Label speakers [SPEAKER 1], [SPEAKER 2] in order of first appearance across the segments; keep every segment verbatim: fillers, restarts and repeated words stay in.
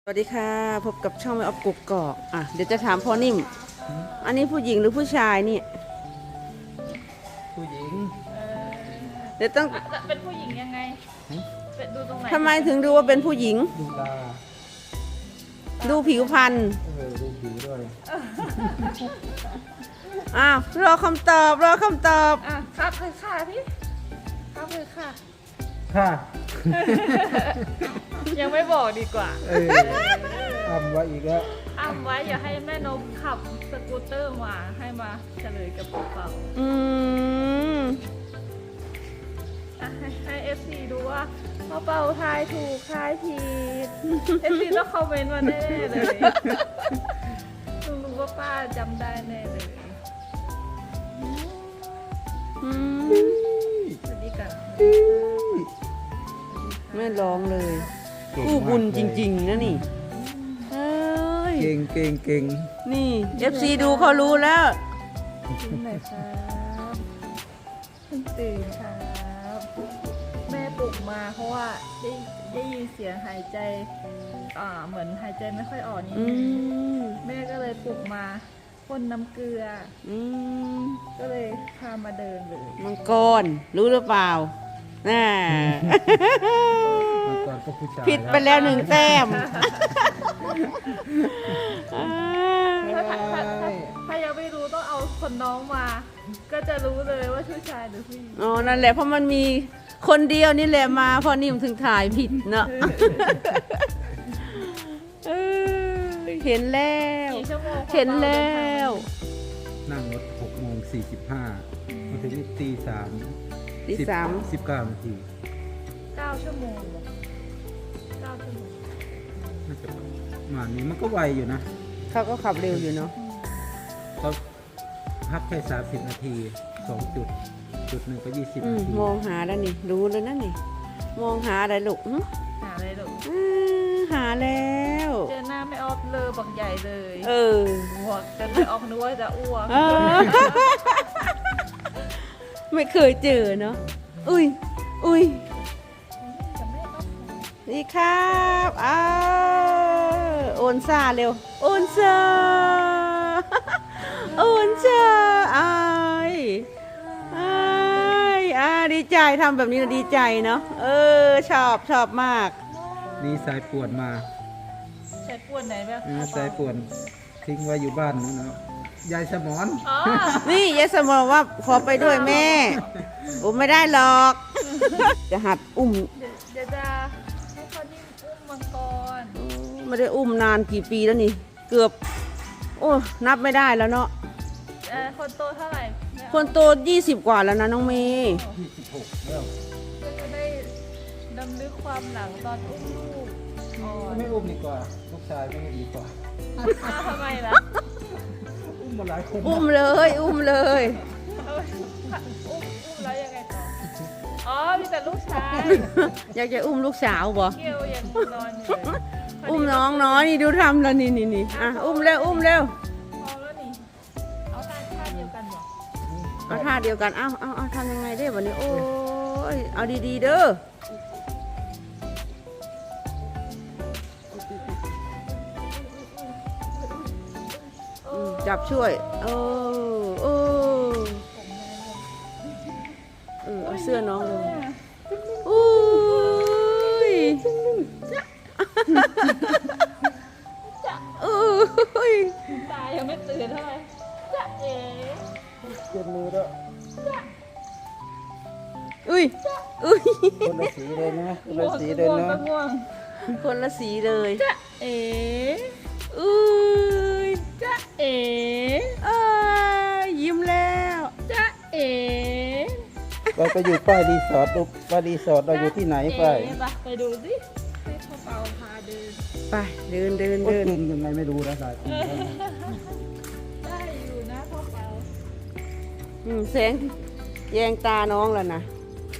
[SPEAKER 1] สวัสดีค่ะพบกับช่องไม่ออฟกุกกอกอ่ะเดี๋ยวจะถามพ่อนิ่มอันนี้ผู้หญิงหรือผู้ชายนี่
[SPEAKER 2] ผู้หญิง
[SPEAKER 1] เดี๋ยวต้อง
[SPEAKER 3] เป็นผู้หญิงยังไงเป็นดูตรงไหน
[SPEAKER 1] ทำไมถึงดูว่าเป็นผู้หญิง
[SPEAKER 2] ดูตา
[SPEAKER 1] ดูผิวพรรณ
[SPEAKER 2] เออดูผิวด้วย
[SPEAKER 1] อ้าวรอคำตอบรอคำตอบ
[SPEAKER 3] อ่ะครับเลยค่ะพี่ครับเลยค่ะ
[SPEAKER 2] ค่ะ
[SPEAKER 3] ยังไม่บอกดีกว่า
[SPEAKER 2] เออทำไว้อีกแล้ว
[SPEAKER 3] อ้ำไว้อย่าให้แม่นกขับสกูตเตอร์มาให้มาเฉลยกับเป่า
[SPEAKER 1] อืม
[SPEAKER 3] อ่ะให้ให้เอฟซีดูว่าพ่อเป่าทายถูกทายผิดเอฟซีต้องคอมเมนต์มาแน่ๆเลยต้องรู้ว่าป้าจำได้แน่เลย
[SPEAKER 1] อืม
[SPEAKER 3] สวัสดีกัน
[SPEAKER 1] ไม่ร้องเลยกู้บุญจริงๆนะนี่เอ้ย
[SPEAKER 2] เก่งเก่งเก่ง
[SPEAKER 1] นี่ เอฟ ซี ดูเขารู้แล้ว
[SPEAKER 3] กินหน่อยครับเพิ่งตื่นครับแม่ปลุกมาเพราะว่าได้ได้ยินเสียงหายใจอ่าเหมือนหายใจไม่ค่อยออกนี่แม่ก็เลยปลุกมาพ่นน้ำเกลือ
[SPEAKER 1] อืม
[SPEAKER 3] ก็เลยพามาเดินเลย
[SPEAKER 1] มังกรรู้หรือเปล่าน่าผิดไปแล้วหนึ่งแต้ม
[SPEAKER 3] ถ้าถ้าถ้ายังไม่รู้ต้องเอาคนน้องมา ก็จะรู้เลยว่าผู้ชายหรือผู้หญิง
[SPEAKER 1] อ๋อนั่นแหละเพราะมันมีคนเดียวนี่แหละมาพอนิ่มถึงถ่ายผิดเนาะเห็นแล้วเห็นแล้ว
[SPEAKER 2] นั่งรถหกโมงสี่สิบห้ามาถึงตีสาม
[SPEAKER 1] ตีสาม
[SPEAKER 2] สิบเก้านาที
[SPEAKER 3] เก้าชั่วโมงเก้าชั่วโมง
[SPEAKER 2] น่าจะมานี้มันก็ไวอยู่นะ
[SPEAKER 1] เขาก็ขับเร็วอยู่เนาะ
[SPEAKER 2] เขาพักแค่สามสิบนาทีสองจุดจุดหนึ่งก็ยี่สิบนาที
[SPEAKER 1] มองหาแล้วนี่รู้แล้วนั่นนี่มองหาอะไรลูก
[SPEAKER 3] หาอะไรลูก
[SPEAKER 1] หาแล้ว
[SPEAKER 3] เจอหน้าไม่ออฟเลยบักใหญ่เลย
[SPEAKER 1] เออ
[SPEAKER 3] หัวจะไม่ออกนึกว่าจะอ้วก
[SPEAKER 1] ไม่เคยเจอเนาะอุ้ยอุ้ยนี่ครับอ้าวโอนซาเร็วโอนซาโอนซาไอ้ไอ้อ่าดีใจทำแบบนี้นะดีใจเนาะเออชอบชอบมาก
[SPEAKER 2] นี่สายป่วนมา
[SPEAKER 3] สายป่วนไหนแบบ
[SPEAKER 2] สายป่วนทิ้งไว้อยู่บ้านนู้นนะยายสมอน
[SPEAKER 1] นี่ยายสมอนว่าขอไปด้วยแม่อุ้มไม่ได้หรอกจะหัดอุ้ม
[SPEAKER 3] เดี๋ยวจะให้เขานิ่มอุ้มมังกร
[SPEAKER 1] ไม่ได้อุ้มนานกี่ปีแล้วนี่เกือบโอ้นับไม่ได้แล้วเนาะ
[SPEAKER 3] คนโตเท่าไหร่
[SPEAKER 1] คนโตยี่สิบกว่าแล้วนะน้องเมย์
[SPEAKER 2] ยี่สิบหกแล้ว
[SPEAKER 3] ก็จะได้ดำลึกความหลังตอนอุ้มลูก
[SPEAKER 2] ไม่อุ้มดีกว่าลูกชายไม่ดีกว่า
[SPEAKER 3] ทำไมล่ะ
[SPEAKER 2] อุ้มมาหลายคน
[SPEAKER 1] อุ้มเลยอุ้มเลย
[SPEAKER 3] อุ้มอุ้มแล้วยังไงต่ออ๋อมีแต่ลูกชาย
[SPEAKER 1] อยากจะอุ้มลูกสาวบ่
[SPEAKER 3] เกี่ยวยังนอนอยู่
[SPEAKER 1] อุ้มน้องน้อยนี่ดูทำแล้วนี่นี่นี่อ่ะอุ้มเร็วอุ้มเร็ว
[SPEAKER 3] พอแล้วนี่เอาท่าท่าเดียวกันบ่
[SPEAKER 1] เอาท่าเดียวกันเอาเอาเอาทำยังไงได้วันนี้โอ้ยเอาดีๆเด้อจับช่วยเออเออเออเอาเสื้อน้องลงอุ้ยอุ้ย
[SPEAKER 3] ตายังไม่ตื่นเท่าไหร่จ๊ะเอ๋
[SPEAKER 2] เจ็บมือแล้ว
[SPEAKER 1] อุ้ยอุ้ย
[SPEAKER 2] คนละสีเลยนะคนละสีเลยนะ
[SPEAKER 1] คนละสีเลย
[SPEAKER 3] จ๊ะเอ๋
[SPEAKER 1] อุ้ย
[SPEAKER 3] จ๊ะเอ๋
[SPEAKER 1] เอ้ยยิ้มแล้ว
[SPEAKER 3] จ๊ะเอ๋
[SPEAKER 2] เราไปอยู่ป้ายรีสอร์ทดูป้ายรีสอร์ทเราอยู่ที่ไหนไป
[SPEAKER 3] ไปดูสิให้พ่อเปาพาเดิน
[SPEAKER 1] ไปเดินเดินเดิน
[SPEAKER 2] ยังไงไม่รู้นะสาย
[SPEAKER 3] ได้อยู่นะพ่อเปา
[SPEAKER 1] อืมแสงแยงตาน้องแล้วนะ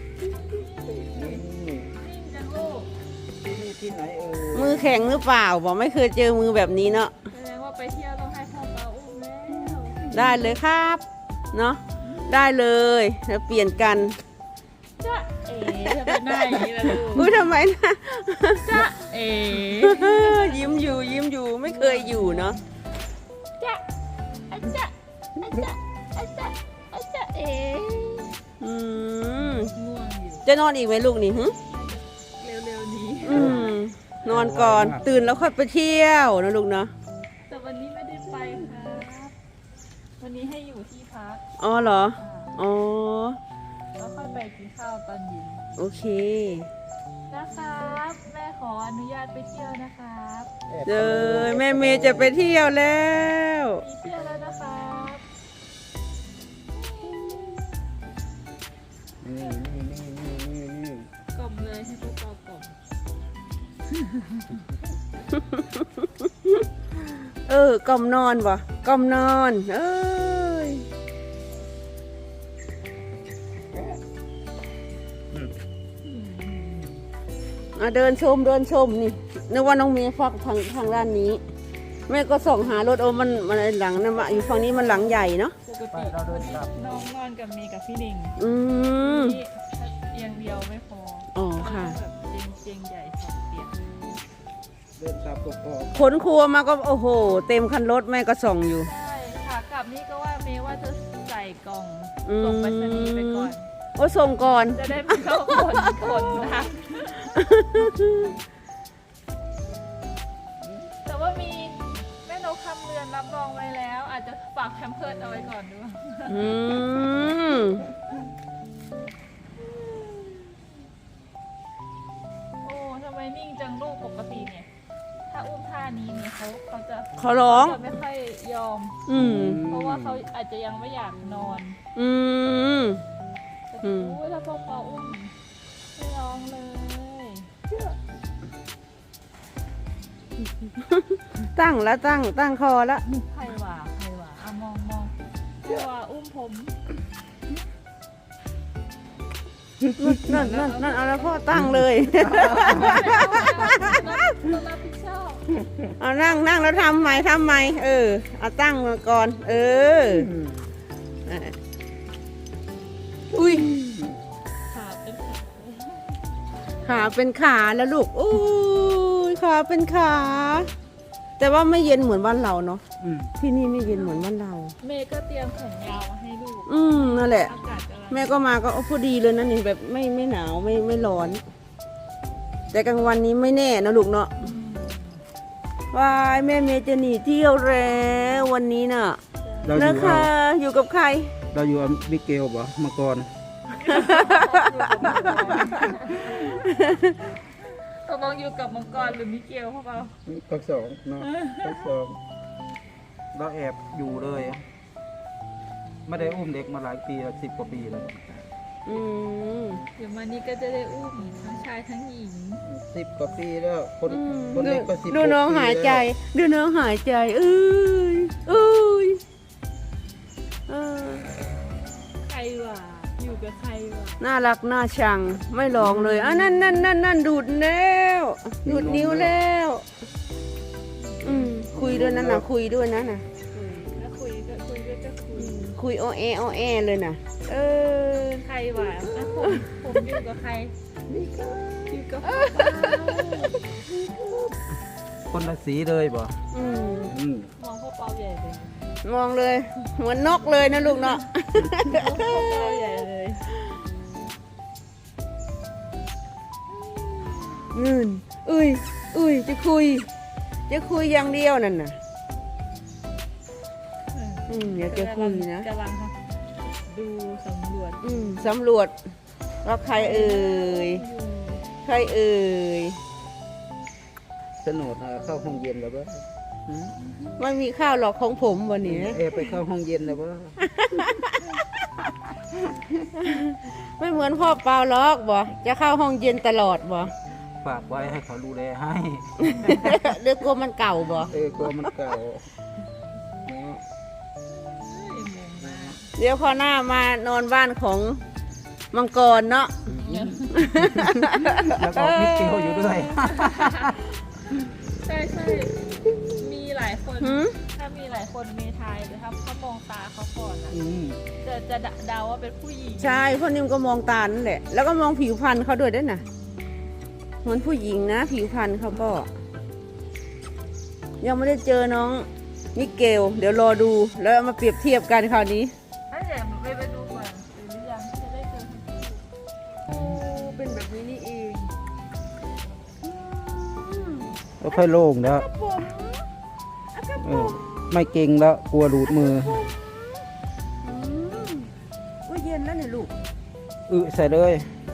[SPEAKER 2] ที่ไหนเออ
[SPEAKER 1] มือแข็งหรือเปล่าบอกไม่เคยเจอมือแบบนี้เนาะ
[SPEAKER 3] แสดงว่าไปเที่ยวต้องให้พ่อเปาอุ้มแล้ว
[SPEAKER 1] ได้เลยครับเนาะได้เลยแล้วเปลี่ยนกัน
[SPEAKER 3] จ๊ะเอ๋จะเป็นหน้าอย่างนี้ละลูก
[SPEAKER 1] อุ้ยทำไมนะ
[SPEAKER 3] จ๊ะเอ๋
[SPEAKER 1] ยิ้มอยู่ยิ้มอยู่ไม่เคยอยู่เนาะ
[SPEAKER 3] จ๊ะอาจ๊ะอาจ๊ะอาจ๊ะอาจ๊ะเอ๋
[SPEAKER 1] อืม
[SPEAKER 3] ง่วงอยู่
[SPEAKER 1] จะนอนอีกไหมลูกนี่หึ
[SPEAKER 3] เร็วๆนี้
[SPEAKER 1] อืมนอนก่อนตื่นแล้วค่อยไปเที่ยวนะลูกเนาะ
[SPEAKER 3] แต่วันนี้ไม่ได้ไปครับวันนี้ให้อยู่ที่พัก
[SPEAKER 1] อ๋อเหรอ
[SPEAKER 3] อ่า
[SPEAKER 1] อ๋อ
[SPEAKER 3] แล้วค่อยไปกินข้าวตอนเย็น
[SPEAKER 1] โอเค
[SPEAKER 3] นะครับ แม่ขออนุญาตไปเที่ยวนะครับ
[SPEAKER 1] เจอแม่เมย์จะไปเที่ยวแล้ว
[SPEAKER 3] มีเที่ยวแล้วนะครับ
[SPEAKER 2] นี่นี่นี่นี่นี่นี่
[SPEAKER 3] กล่อมเลยให้พวกเรากล่อม
[SPEAKER 1] เออกล่อมนอนบ่กล่อมนอนเอ้ย อ่ะเดินชมเดินชมนี่นึกว่าน้องเมย์ฟักทางทางด้านนี้ แม่ก็ส่องหารถโอ้มันมันหลังนะมาอยู่ฝั่งนี้มันหลังใหญ่เนาะ
[SPEAKER 3] ปก
[SPEAKER 2] ไป
[SPEAKER 3] ติ
[SPEAKER 2] เราเดินกลับ
[SPEAKER 3] น้องนอนกับเมย์กับพี่หนิง
[SPEAKER 1] อืม
[SPEAKER 3] นี่เตียงเดียวไม่พอ
[SPEAKER 1] อ๋อค่ะ
[SPEAKER 3] แบบเตียงเตียงใหญ่สองเตียง
[SPEAKER 2] เดินกลับกอก
[SPEAKER 1] ขนครัวมาก็โอ้โห เต็มคันรถแม่ก็ส่องอยู่
[SPEAKER 3] ใช่ขากลับนี่ก็ว่าเมย์ว่าจะใส่กล่อง
[SPEAKER 1] อืม
[SPEAKER 3] ส่งไปรษณีย์ไปก่อน
[SPEAKER 1] โอ้ส่งก่อน
[SPEAKER 3] จะได้ไม่เข้าคนคนนะแต่ว่ามีแม่นกคำเรือนรับรองไว้แล้ว อาจจะฝากแพมเพิร์ดเอาไว้ก่อนด้วย
[SPEAKER 1] อืม
[SPEAKER 3] โอ้ทำไมนิ่งจังลูกปกติเนี่ย ถ้าอุ้มท่านี้เนี่ยเขาเขาจะ
[SPEAKER 1] เขาร้อง
[SPEAKER 3] จะไม่ค่อยยอม
[SPEAKER 1] อืม
[SPEAKER 3] เพราะว่าเขาอาจจะยังไม่อยากนอน
[SPEAKER 1] อืม
[SPEAKER 3] แต่
[SPEAKER 1] อืม
[SPEAKER 3] อู้ถ้าพวกเราอุ้มไม่ร้องเลย
[SPEAKER 1] ตั้งแล้วตั้งตั้งคอแล้ว
[SPEAKER 3] ใครว่าใครว่าอ่ะมองมองใครว่าอุ้มผม
[SPEAKER 1] นั่นนั่นนั่นเอาแล้วพ่อตั้งเลย
[SPEAKER 3] ต้องรับผิดชอบ
[SPEAKER 1] เอานั่งนั่งแล้วทำใหม่ทำใหม่เออเอาตั้งมาก่อน เออ
[SPEAKER 2] อืม
[SPEAKER 1] อุ้ย
[SPEAKER 3] ขาเป็นขา
[SPEAKER 1] ขาเป็นขาแล้วลูกอุ้ยขาเป็นขา แต่ว่าไม่เย็นเหมือนบ้านเราเนาะ
[SPEAKER 2] อืม
[SPEAKER 1] ที่นี่ไม่เย็นเหมือนบ้านเรา
[SPEAKER 3] เมย์ก็เตรียมแขนยาวมาให้ลูก
[SPEAKER 1] อืมนั่นแหละ
[SPEAKER 3] อากาศกำลัง
[SPEAKER 1] แม่ก็มาก็เอาพอดีเลยนะนี่แบบไม่ไม่หนาวไม่ไม่ร้อน แต่กลางวันนี้ไม่แน่นะลูกเนาะ
[SPEAKER 3] อืม
[SPEAKER 1] วายแม่เมย์จะหนีเที่ยวแล้ววันนี้น่ะ
[SPEAKER 2] เราอ
[SPEAKER 1] นะ
[SPEAKER 2] ยู่
[SPEAKER 1] คะ
[SPEAKER 2] เอา
[SPEAKER 1] อยู่กับใคร
[SPEAKER 2] เราอยู่กับมิเกลบ่มาก่อน
[SPEAKER 3] ตกลงอยู่กับมังกรหรือมิเกลพวกเรา
[SPEAKER 2] พักสองเนาะพักสองเราแอบอยู่เลยไม่ได้อุ้มเด็กมาหลายปีแล้วสิบกว่าปีแล้ว
[SPEAKER 1] อืม
[SPEAKER 3] เดี๋ยวมานี้ก็จะได้อุ้มทั้งชายทั้งหญิง
[SPEAKER 2] สิบกว่าปีแล้วคน
[SPEAKER 1] อืม
[SPEAKER 2] คน
[SPEAKER 1] ดู
[SPEAKER 2] เล็กก็สิบ
[SPEAKER 1] ดูน้องหายใจดูน้องหายใจเอ้ยเอ้ยเออ
[SPEAKER 3] ใครวะอยู่กับใครวะ
[SPEAKER 1] น่ารักน่าชังไม่ร้องเลยอ่ะนั่นนั่นนั่นนั่นดูดแล้วดูดนิ้วแล้วอืมคุยด้วยนั่นนะคุยด้วยนั่นนะ
[SPEAKER 3] คุยแล้วคุยก็คุยด้วยก็คุย
[SPEAKER 1] คุยโอเอโอเอเลยนะเออ
[SPEAKER 3] ใครวะแล้วผมผมอยู่กับใครอยู่กับพ่อเปา
[SPEAKER 2] คนละสีเลยบ่
[SPEAKER 1] อืม
[SPEAKER 2] อืม
[SPEAKER 3] มองพ่อเปาใหญ่เลย
[SPEAKER 1] มองเลยเหมือนนกเลยนะลูกเนาะ
[SPEAKER 3] มองพ่อเปาใหญ่เลย
[SPEAKER 1] เงินอุ้ยอุ้ยจะคุย จะคุยอย่างเดียวนั่นน่ะ อืมอยากจะคุยนะ
[SPEAKER 3] กำลังดูสำรวจ
[SPEAKER 1] อืมสำรวจว่าใครเอ่ย
[SPEAKER 3] อยู่
[SPEAKER 1] ใครเอ่ย
[SPEAKER 2] สนุกนะเข้าห้องเย็นแล้วบ่หืม
[SPEAKER 1] ไม่มีข้าวหรอกของผมวันนี้
[SPEAKER 2] เอไปเข้าห้องเย็นแล้วบ่
[SPEAKER 1] ไม่เหมือนพ่อเปล่าหรอกบ่จะเข้าห้องเย็นตลอดบ่
[SPEAKER 2] ฝากไว้ให้เขาดูแลให้
[SPEAKER 1] เรือกลัวมันเก่าบ่
[SPEAKER 2] เออกลัวมันเก่าเนาะ
[SPEAKER 3] เอ้ยงงมาก
[SPEAKER 1] เดี๋ยวพอหน้ามานอนบ้านของมังกรเนาะ
[SPEAKER 2] แล้วก็มิเกลอยู่ด้วย
[SPEAKER 3] ใช่ใช่มีหลายคน
[SPEAKER 1] หืม
[SPEAKER 3] ถ้ามีหลายคนมีทายแต่ถ้าเขามองตาเขาก่อนอะ
[SPEAKER 2] อืม
[SPEAKER 3] จะจะเดาว่าเป็นผู้หญิง
[SPEAKER 1] ใช่พ่อนิ่มก็มองตานั่นแหละ แล้วก็มองผิวพรรณเขาด้วยด้วยนะเหมือนผู้หญิงนะ ผิวพรรณเขาก็ยังไม่ได้เจอน้องมิเกล เดี๋ยวรอดูแล้วเอามาเปรียบเทียบกันคราวนี้
[SPEAKER 3] ถ้าเดี๋ยวไปไปดูก่อนหรือยังจะได้เจอทั้งคู่
[SPEAKER 1] โอ้เป็นแบบนี้นี่เอง
[SPEAKER 2] ก็ค่อยโล่งแล้ว
[SPEAKER 1] ผมอะครับ
[SPEAKER 2] เอ
[SPEAKER 1] ผ
[SPEAKER 2] อ
[SPEAKER 1] ม
[SPEAKER 2] ไม่เก่งแล้วกลัวหลุดมือ
[SPEAKER 1] อืมว่าเย็นแล้วเนี่ยลูก
[SPEAKER 2] อึใส่เลย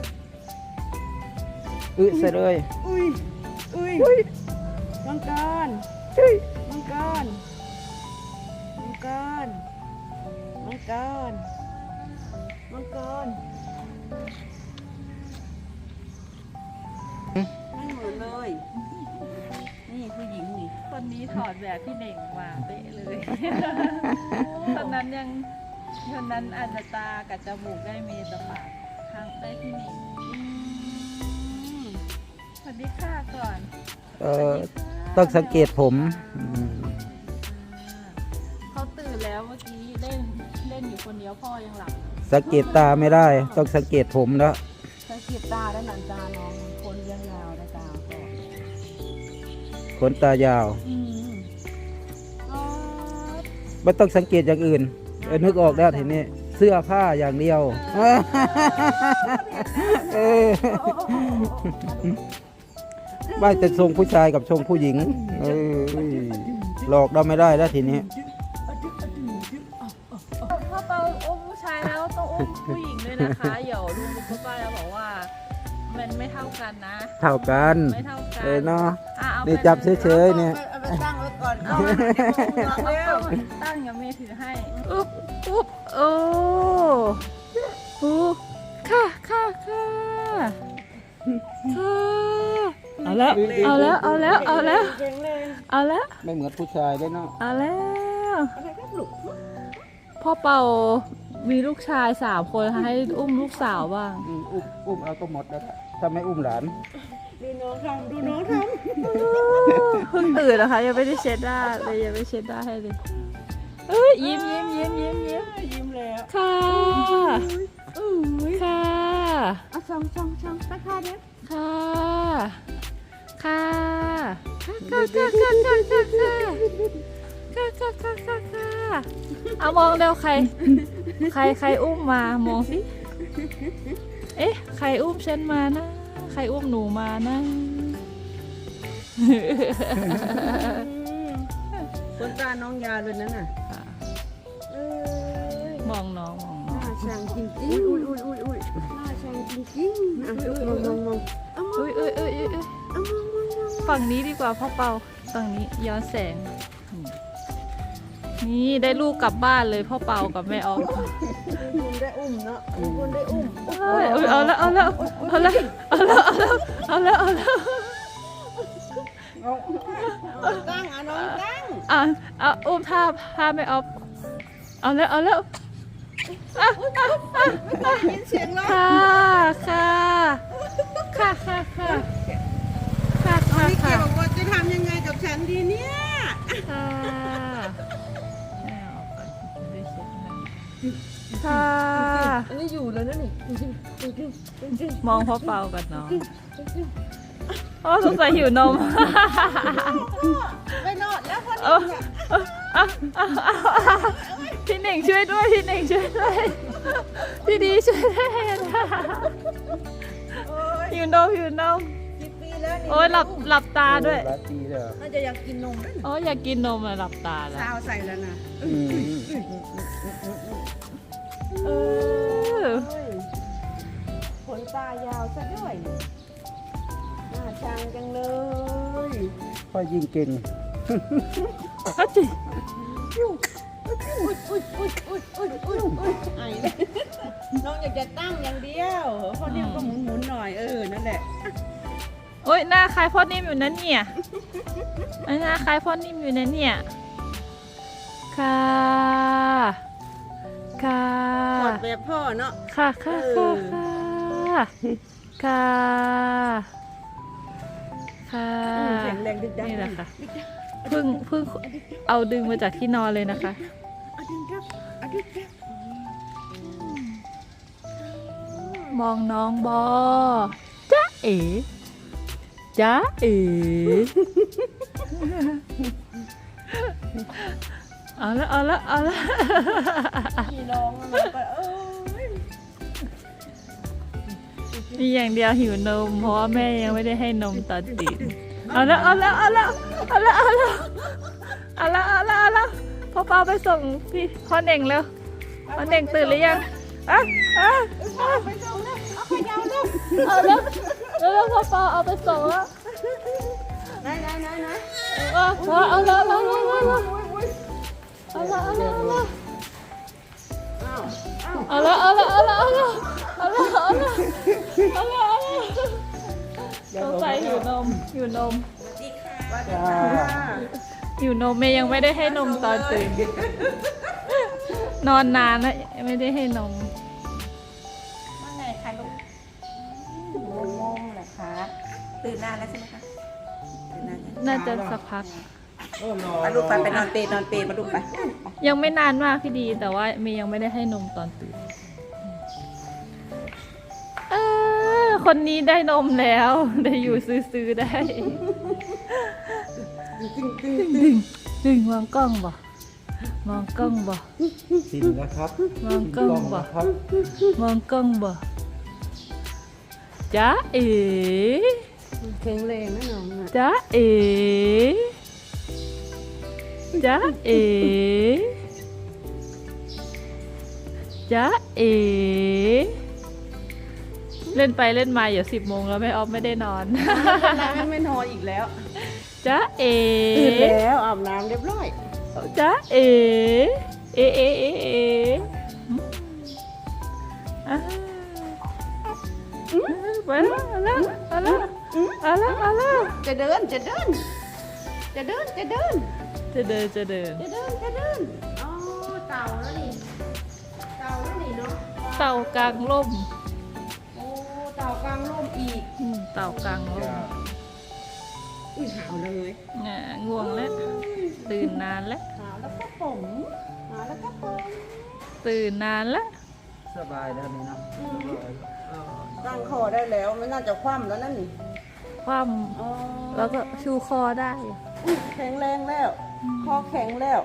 [SPEAKER 2] อึใส่เลย
[SPEAKER 1] อุ้ย อุ้ยมังกรมังกรมังกรมังกรมังกรไม่เหมือนเลย นี่ผู้หญิงนี่
[SPEAKER 3] คนนี้ถอดแบบพี่เน่งมาเป๊ะเลย ตอนนั้นยังคนนั้นอาจจะตากับจมูกได้เมตาปากข้างได้พี่เน่งสวัสดีค่ะก่อน
[SPEAKER 2] เออต้องสังเกตผมอืม
[SPEAKER 3] เขาตื่นแล้วเมื่อกี้เล่นเล่นอยู่คนเดียวพ่อยังหลับ
[SPEAKER 2] สังเกตตาไม่ได้ ต้องสังเกตผมแล้ว
[SPEAKER 1] สังเกตตาด้านหลังตาน้องคนเลี้ยงยาวนะตาก็
[SPEAKER 2] ขนตายาว
[SPEAKER 1] อืมอ๋อ
[SPEAKER 2] ไม่ต้องสังเกตอย่างอื่นเออนึกออกแล้วทีนี้เสื้อผ้าอย่างเดียวเออไม่จะทรงผู้ชายกับทรงผู้หญิงเออหลอกเราไม่ได้แล้วทีนี้
[SPEAKER 3] พ่อเปาอุ้มผู้ชายแล้วต้องอุ้มผู้หญิงด้วยนะคะเดี๋ยวลุงกับป้าแล้วบอกว่า มันไม่เท่ากันนะ
[SPEAKER 2] เท่ากัน
[SPEAKER 3] ไม่เท่ากัน
[SPEAKER 2] เออเนาะ
[SPEAKER 3] อ่ะเอา
[SPEAKER 2] นี่
[SPEAKER 3] ไป
[SPEAKER 2] จับเฉยๆเนี่ย
[SPEAKER 1] เอาไปตั้งไว้ก่อน
[SPEAKER 3] เอา
[SPEAKER 1] เอา
[SPEAKER 3] เอา
[SPEAKER 1] เร็ว
[SPEAKER 3] ตั้งอย่าเมย์ถือให้
[SPEAKER 1] อุ๊บอุ๊บโอ้โอ้ค่ะค่ะค่ะค่ะเอาแล้ว เอาแล้ว เอาแล้ว เอาแล้ว เอาแล้ว
[SPEAKER 2] ไม่เหมือนผู้ชายเลยเนาะ
[SPEAKER 1] เอาแล้ว พ่อเป่ามีลูกชายสามคนให้อุ้มลูกสาวบ้าง
[SPEAKER 2] อืมอุ้มอุ้มเอาก็หมดแล้วถ้าไม่อุ้มหลาน
[SPEAKER 1] ดูน้องทำดูน้องท
[SPEAKER 3] เพิ่งตื่นนะคะ ยังไม่ได้เช็ดหน้าเลยยังไม่เช็ดหน้าให้เลยเอ้ยยิ้มยิ้มยิ้มยิ้มยิ้ม
[SPEAKER 1] ำยิ้มแล้ว
[SPEAKER 3] ค่ะ
[SPEAKER 1] อุ้ย
[SPEAKER 3] ค่ะ
[SPEAKER 1] เอาช่องช่องช่องตะคาเนี่ย
[SPEAKER 3] ค่ะ ค่ะ ค่ะค่ะค่ะค่ะค่ะค่ะค่ะค่ะค่ะค่ะค่ะเอามองเร็วใคร ใครใครอุ้มมามองสิ เอ๊ะ ใครอุ้มฉันมานะ ใครอุ้มหนูมานะ
[SPEAKER 1] ขนตาน้องยาวเลยนั่นน่ะเอ้ย
[SPEAKER 3] มองน้องมองน้อง
[SPEAKER 1] น่าชังจริงจริงอุ้ยอุ้ยอุ้ยอุ้ยน่าชังจริงจริงอ่ะมองมองมองเอามอง
[SPEAKER 3] อุ้ยอุ้ยอุ้ยอุ้ยอุ้ย
[SPEAKER 1] เอามองมองมอง
[SPEAKER 3] ฝั่งนี้ดีกว่าพ่อเปาฝั่งนี้ย้อนแสง นี่ได้ลูกกลับบ้านเลยพ่อเปากับแม่ออฟ
[SPEAKER 1] คุณได้อุ้มเนาะคุณได้อุ้ม
[SPEAKER 3] เอ้ยอุ๊ยเอาแล้วเอาแล้วเอาแล้วเอาแล้วเอาแล้วเอาแล้ว
[SPEAKER 1] เอาตั้งอ่ะน้องตั้ง
[SPEAKER 3] อ่ะเอาอุ้มท่าท่าแม่ออฟเอาแล้วเอาแล้วอ่ะอ่ะอ่ะอ่ะ
[SPEAKER 1] ยินเสียงร้อง
[SPEAKER 3] ค่ะค่ะค่ะค่ะค่ะค่ะค่ะ
[SPEAKER 1] พี่เกี
[SPEAKER 3] ค่ะ
[SPEAKER 1] ยวบอกว่าจะทำยังไงกับฉันดีเนี่ย
[SPEAKER 3] ค่ะแม่ออฟก่อนได้เช็ดให้ค่ะ
[SPEAKER 1] อันนี้อยู่แล้วนะนี่จริงจริงจริงจริง
[SPEAKER 3] มองพ่อเปากับน้องอ๋อสงสัยหิวนม
[SPEAKER 1] ไม่รอดแล้วคน
[SPEAKER 3] เออเอออ่ะอ่ะอ่ะอ่ะพี่หนึ่งช่วยด้วยพี่หนึ่งช่วยด้วยพี่ดีช่วยด้วยนะหิวนมหิวนม
[SPEAKER 1] สิบปีแล้วนี่
[SPEAKER 3] โอ้ยหลับหลับตาด้วย
[SPEAKER 2] หลายปีแล้ว
[SPEAKER 1] น่าจะอยากกินนมด้วย
[SPEAKER 3] โอ้ยอยากกินนมอะหลับตาแล้ว
[SPEAKER 1] สาวใส่แล้วนะ
[SPEAKER 2] อืม
[SPEAKER 3] เออ
[SPEAKER 1] ขนตายาวซะด้วยน่าชังจังเลย
[SPEAKER 2] ค่อยยิ่งเก่ง
[SPEAKER 3] ก็จิ
[SPEAKER 1] อุ้ยอุ้ยอุ้ยอุ้ยอุ้ยอุ้ยอุ้ยอุ้ยไอ้เลยน้องอยากจะตั้งอย่างเดียวเพราะนี่มันก็หมุนหมุนๆหน่อยเออนั่นแหละ
[SPEAKER 3] โอ้ยหน้าคล้ายพ่อนิ่มอยู่นั่นเนี่ยหน้าคล้ายพ่อนิ่มอยู่นั่นเนี่ยค่ะค่ะ
[SPEAKER 1] กอดแบบพ่อเนาะ
[SPEAKER 3] ค่ะค่ะค่ะค่ะค่ะ ค่ะ
[SPEAKER 1] อืมแข็งแรงดึกดัง
[SPEAKER 3] นี่แหละค่ะเพิ่งเพิ่งเอาดึงมาจากที่นอนเลยนะคะ
[SPEAKER 1] อะดึงครับอะดึงครับ
[SPEAKER 3] มองน้องบอจ๊ะเอ๋จ๊ะเอ๋เอาละเอาละเอาละ
[SPEAKER 1] พี่น้องมันก็เอ้ย
[SPEAKER 3] มีอย่างเดียวหิวนมเพราะว่าแม่ยังไม่ได้ให้นมตอนตื่นเอาละเอาละเอาละเอาละเอาละเอาละเอาละเอาละพ่อเปาไปส่งพี่พ่อเน่งเร็วพ่อเน่งตื่นหรือยังอ่ะอ่ะอ่ะ
[SPEAKER 1] ไปส่งแล้วเอาไปยาวแล้ว
[SPEAKER 3] เอาแล้วแล้วพ่อเปาเอาไปส่งแล้ว
[SPEAKER 1] ไหนไหนไหนไหน
[SPEAKER 3] เอาเอาเอาละเอาละเอาละเอาละเอาละเอาละ
[SPEAKER 1] อ้าวอ้าว
[SPEAKER 3] เอาละเอาละเอาละเอาละเอาละเอาละเอาละเอาละสงสัยหิวนมหิวนม
[SPEAKER 2] จ้า
[SPEAKER 3] หิวนมเมย์ยังไม่ได้ให้นมตอนตื่น นอนนานแล้วไม่ได้ให้นม
[SPEAKER 4] ว่าไงคะลูกงงๆเหรอคะตื่นนานแล้วใช่ไหมคะตื่นนานยัง
[SPEAKER 3] น่าจะสักพัก
[SPEAKER 2] โอ้นอ
[SPEAKER 4] ไป
[SPEAKER 2] น
[SPEAKER 4] ลูกไปไปนอนเปรย์นอนเปรย์มาลูกไป
[SPEAKER 3] ยังไม่นานมากพี่ดี แต่ว่าเมย์ยังไม่ได้ให้นมตอนตื่นเออคนนี้ได้นมแล้ว ได้อยู่ซื้อๆได้ดึงดึงมองกล้องบ่มองกล้องบ่
[SPEAKER 2] ชินแล้วครับ
[SPEAKER 3] มองกล้องบ่
[SPEAKER 2] ครับ
[SPEAKER 3] มองกล้องบ่จ๊ะเอ๋
[SPEAKER 1] แข็งแรงนะน้องอ่ะ
[SPEAKER 3] จ๊ะเอ๋จ๊ะเอ๋จ๊ะเอ๋เล่นไปเล่นมาเดี๋ยวสิบโมงแล้วแม่ออฟไม่ได้นอน
[SPEAKER 1] ไม่ไม่นอนอีกแล้ว
[SPEAKER 3] จ๊ะเอ๋
[SPEAKER 1] ตื่นแล้วอาบน้ำเรียบร้อย
[SPEAKER 3] จ๊ะเอ๋เอ๋เอ๋เอ๋เอ๋อืมอ่าไปแล้วเอาละเอาละเอาละเอาละ
[SPEAKER 1] จะเดินจะเดิน จะเดินจะเดิน
[SPEAKER 3] จะเดินจะเดิน
[SPEAKER 1] จะเดินจะเดินอ๋อเต่าแล้วนี่เต่าแล้วนี่เนาะ
[SPEAKER 3] เต่ากลางร่ม
[SPEAKER 1] โอ้เต่ากลางร่มอีก
[SPEAKER 3] อืมเต่ากลางร่ม
[SPEAKER 2] จ้า
[SPEAKER 1] อุ้ยหาวเลย
[SPEAKER 3] อ่าง่วงแล้วตื่นนานแล้ว
[SPEAKER 1] หาวแล้วก็ผมหาวแล้วก็ผม
[SPEAKER 3] ตื่นนานแล้ว
[SPEAKER 2] สบายแล้วนี่เนาะ
[SPEAKER 1] ตั้งคอได้แล้วไม่น่าจะคว่ำแล้วนั่นนี่
[SPEAKER 3] คว่
[SPEAKER 1] อ๋อ
[SPEAKER 3] ำแล้วก็ชูคอได้
[SPEAKER 1] อุ๊ยแข็งแรงแล้ว คอแข็งแล้ว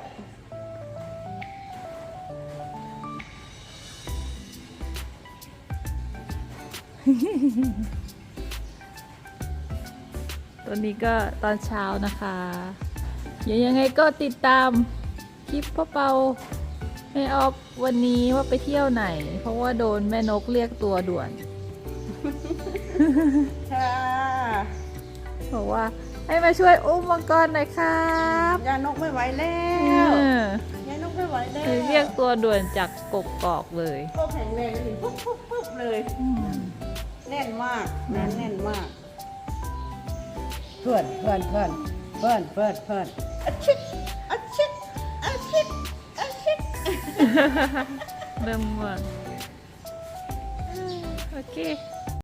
[SPEAKER 3] ตอนนี้ก็ตอนเช้านะคะเดี๋ยวยังไงก็ติดตามคลิปพ่อเปาแม่ออฟวันนี้ว่าไปเที่ยวไหน เพราะว่าโดนแม่นกเรียกตัวด่วน
[SPEAKER 1] ค่ะ
[SPEAKER 3] บอกว่าให้มาช่วยอุ้มมังกรหน่อยครับ
[SPEAKER 1] ยานกไม่ไหวแล้
[SPEAKER 3] เอ
[SPEAKER 1] ว
[SPEAKER 3] อย
[SPEAKER 1] านกไม่ไหวแล้ว
[SPEAKER 3] เลยเรียกตัวด่วนจากกกกอกเลย
[SPEAKER 1] ก็แข็งแรงเลยปุ๊บปุ๊บปุ๊บเลย
[SPEAKER 3] อืม
[SPEAKER 1] แน่นมากแน่นแน่นมาก เพื่อนเพื่อนเพื่อนเพื่อนเพื่อนเพื่อนอาชิดอาชิดอาชิดอาชิด
[SPEAKER 3] เริ่มง่วงโอเค